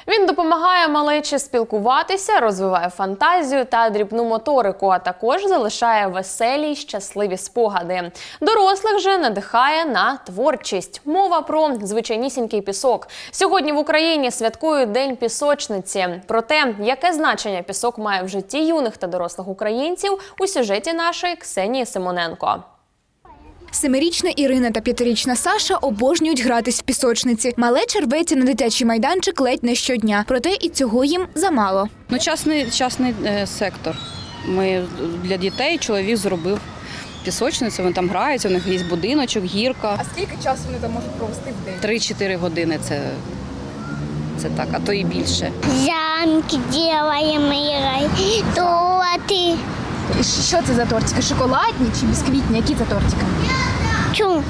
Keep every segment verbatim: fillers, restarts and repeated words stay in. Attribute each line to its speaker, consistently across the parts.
Speaker 1: Він допомагає малечі спілкуватися, розвиває фантазію та дрібну моторику, а також залишає веселі й щасливі спогади. Дорослих же надихає на творчість. Мова про звичайнісінький пісок. Сьогодні в Україні святкують День пісочниці. Про те, яке значення пісок має в житті юних та дорослих українців, у сюжеті нашої Ксенії Симоненко.
Speaker 2: Семирічна Ірина та п'ятирічна Саша обожнюють гратись в пісочниці. Малеча рветься на дитячий майданчик ледь не щодня. Проте і цього їм замало.
Speaker 3: Ну, частний, частний е, сектор. Ми для дітей чоловік зробив пісочницю, вони там граються, у них є будиночок, гірка.
Speaker 2: А скільки часу вони там можуть провести в день?
Speaker 3: три-чотири години це, це так, а то і більше.
Speaker 4: Замки робимо, торти.
Speaker 2: І що це за тортики? Шоколадні чи бісквітні? Які це тортики?
Speaker 4: Чу?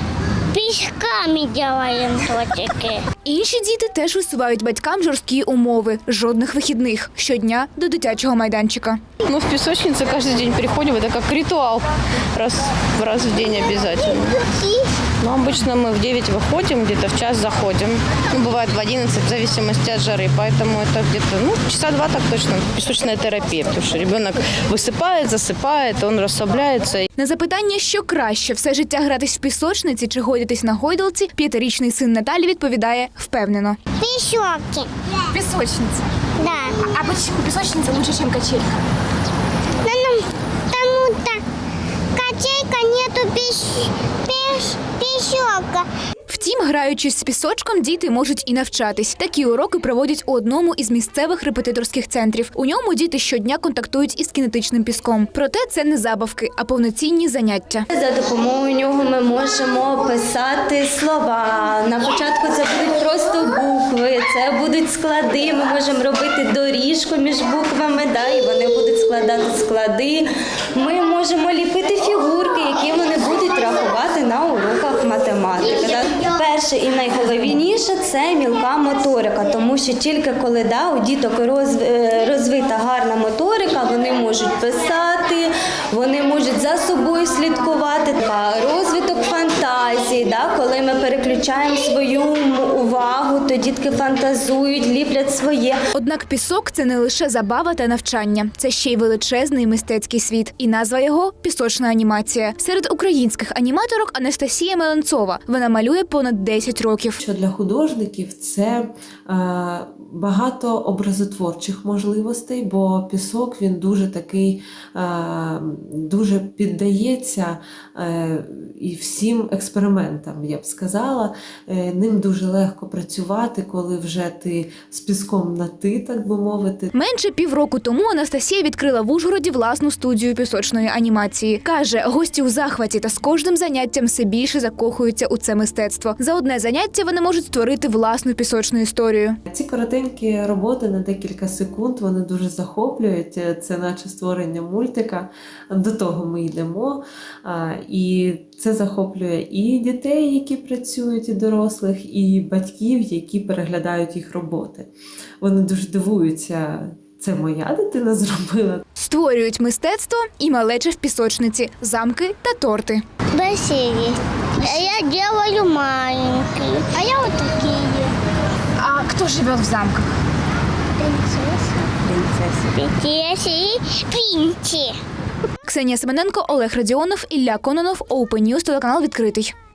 Speaker 4: Пісками робимо тортики.
Speaker 2: Інші діти теж висувають батькам жорсткі умови. Жодних вихідних. Щодня до дитячого майданчика.
Speaker 5: Ну, в песочницу каждый день приходим, это как ритуал, раз, раз в день обязательно. Но обычно мы в девять выходим, где-то в час заходим. Ну, бывает в одиннадцать, в зависимости от жары, поэтому это где-то, ну, часа два так точно. Песочная терапия, потому что ребенок высыпает, засыпает, он расслабляется.
Speaker 2: На запитання, що краще – все життя гратись в пісочниці чи гойдатись на гойдалці, п'ятирічний син Наталі відповідає впевнено.
Speaker 4: Пішоки.
Speaker 2: Пісочниця.
Speaker 4: Да.
Speaker 2: А чому пісочниця краще, ніж качелька?
Speaker 4: Ну, тому-то качелька нету піш, піш, пішока.
Speaker 2: Втім, граючись з пісочком, діти можуть і навчатись. Такі уроки проводять у одному із місцевих репетиторських центрів. У ньому діти щодня контактують із кінетичним піском. Проте це не забавки, а повноцінні заняття.
Speaker 6: За допомогою нього ми можемо писати слова. На початку це будуть просто букви, це будуть склади. Ми можемо робити доріжку між буквами, да, і вони будуть складати склади. Ми можемо ліпити фігурки, які вони будуть рахувати на уроках математики. Да. Перше і найголовніше – це мілка моторика, тому що тільки коли да, у діток розвита гарна моторика, вони можуть писати, вони можуть за собою слідкувати. Розвиток фантазії, да, коли ми переключаємо свою увагу, то дітки фантазують, ліплять своє.
Speaker 2: Однак пісок – це не лише забава та навчання. Це ще й величезний мистецький світ. І назва його – пісочна анімація. Серед українських аніматорок Анастасія Меленцова. Вона малює понад десять років.
Speaker 7: Що для художників це е, багато образотворчих можливостей, бо пісок він дуже такий, е, дуже піддається е, і всім експериментам, я б сказала. Е, ним дуже легко працювати, коли вже ти з піском на ти, так би мовити.
Speaker 2: Менше півроку тому Анастасія відкрила в Ужгороді власну студію пісочної анімації. Каже, гості у захваті та з кожним заняттям все більше закохуються у це мистецтво. За одне заняття вони можуть створити власну пісочну історію.
Speaker 7: Ці коротенькі роботи на декілька секунд, вони дуже захоплюють. Це наче створення мультика. До того ми йдемо. І це захоплює і дітей, які працюють, і дорослих, і батьків, які переглядають їх роботи. Вони дуже дивуються. Це моя дитина зробила.
Speaker 2: Створюють мистецтво і малече в пісочниці, замки та торти.
Speaker 4: Бассейн. Я делаю маленький. А я вот такие.
Speaker 2: А хто живе в замках?
Speaker 4: Принцесса. Принцесса. Принцесса и принці.
Speaker 2: Ксенія Семененко, Олег Радіонов, Ілля Кононов, Open News, телеканал «Відкритий».